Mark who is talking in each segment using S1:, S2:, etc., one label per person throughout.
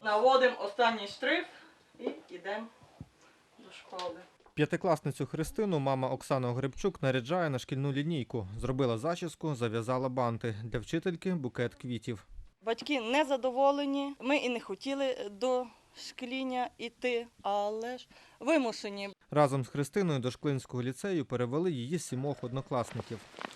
S1: Наводимо останній штрих і йдемо до школи.
S2: П'ятикласницю Христину мама Оксана Огребчук наряджає на шкільну лінійку. Зробила зачіску, зав'язала банти. Для вчительки – букет квітів.
S1: Батьки не задоволені, ми і не хотіли до шкільня йти, але ж вимушені.
S2: Разом з Христиною до Шклинського ліцею перевели її 7 однокласників.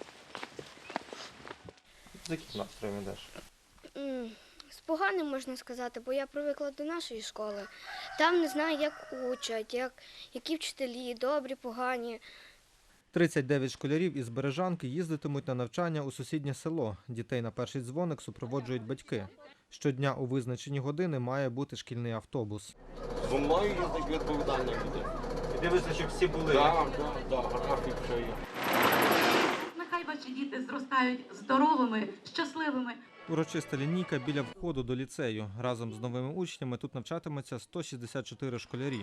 S2: З яким настроєм йдеш?
S3: З поганим, можна сказати, бо я привикла до нашої школи. Там не знаю, як учать, які вчителі, добрі, погані.
S2: 39 школярів із Бережанки їздитимуть на навчання у сусіднє село. Дітей на перший дзвоник супроводжують батьки. Щодня у визначені години має бути шкільний автобус.
S4: Зо мною їздить відповідальна людина.
S2: І дивишся, щоб всі були.
S4: Так, графік все є.
S5: Нехай ваші діти зростають здоровими, щасливими.
S2: Урочиста лінійка біля входу до ліцею. Разом з новими учнями тут навчатиметься 164 школярі.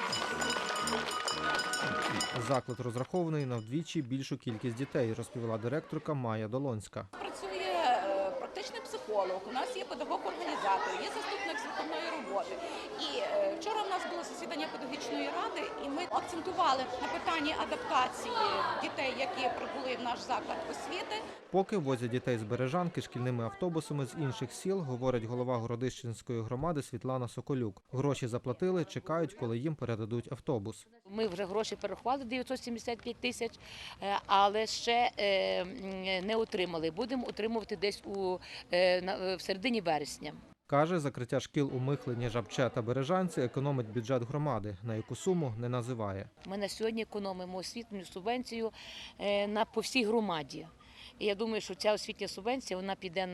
S2: Заклад розрахований на вдвічі більшу кількість дітей, розповіла директорка Майя Долонська.
S6: Працює практичний психолог, у нас є педагог-організатор, є заступник з виховної роботи. І вчора в нас було засідання педагогічної ради, і ми акцентували на питанні адаптації дітей, які прибули в наш заклад освіти.
S2: Поки возять дітей з Бережанки шкільними автобусами з інших сіл, говорить голова Городищенської громади Світлана Соколюк. Гроші заплатили, чекають, коли їм передадуть автобус.
S7: Ми вже гроші перерахували, 975 тисяч, але ще не отримали. Будемо отримувати десь в середині вересня.
S2: Каже, закриття шкіл у Михлині, Жабче та Бережанці економить бюджет громади, на яку суму не називає.
S7: Ми на сьогодні економимо освітню субвенцію по всій громаді. І я думаю, що ця освітня субвенція вона піде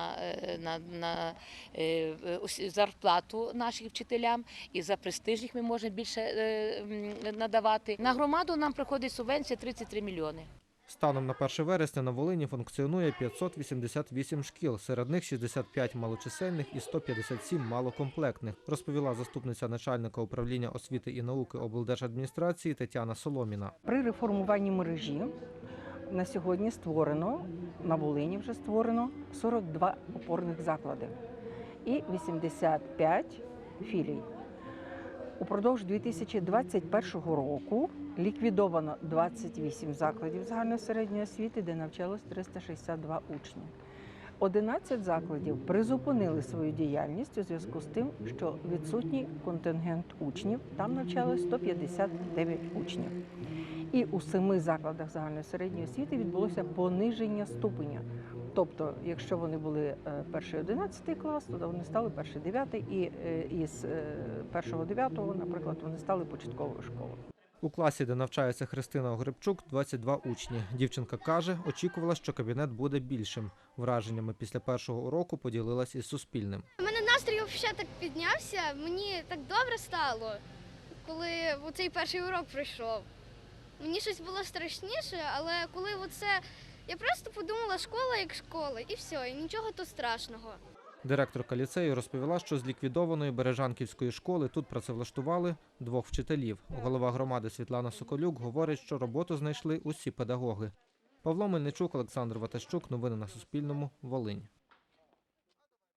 S7: на зарплату нашим вчителям, і за престижних ми можемо більше надавати. На громаду нам приходить субвенція 33 мільйони.
S2: Станом на 1 вересня на Волині функціонує 588 шкіл, серед них 65 малочисельних і 157 малокомплектних, розповіла заступниця начальника управління освіти і науки облдержадміністрації Тетяна Соломіна.
S8: При реформуванні мережі на сьогодні створено, на Волині вже створено 42 опорних заклади і 85 філій. Упродовж 2021 року ліквідовано 28 закладів загальної середньої освіти, де навчалось 362 учні. 11 закладів призупинили свою діяльність у зв'язку з тим, що відсутній контингент учнів, там навчалось 159 учнів. І у 7 закладах загальної середньої освіти відбулося пониження ступеня. Тобто, якщо вони були 1-11 клас, то вони стали 1-9, і із 1-9, наприклад, вони стали початковою школою.
S2: У класі, де навчається Христина Огребчук, 22 учні. Дівчинка каже, очікувала, що кабінет буде більшим. Враженнями після першого уроку поділилась із Суспільним.
S3: У мене настрій взагалі так піднявся, мені так добре стало, коли цей перший урок пройшов. Мені щось було страшніше, але коли я просто подумала, школа як школа, і все, і нічого тут страшного.
S2: Директорка ліцею розповіла, що з ліквідованої Бережанківської школи тут працевлаштували 2 вчителів. Голова громади Світлана Соколюк говорить, що роботу знайшли усі педагоги. Павло Мельничук, Олександр Ватащук. Новини на Суспільному. Волинь.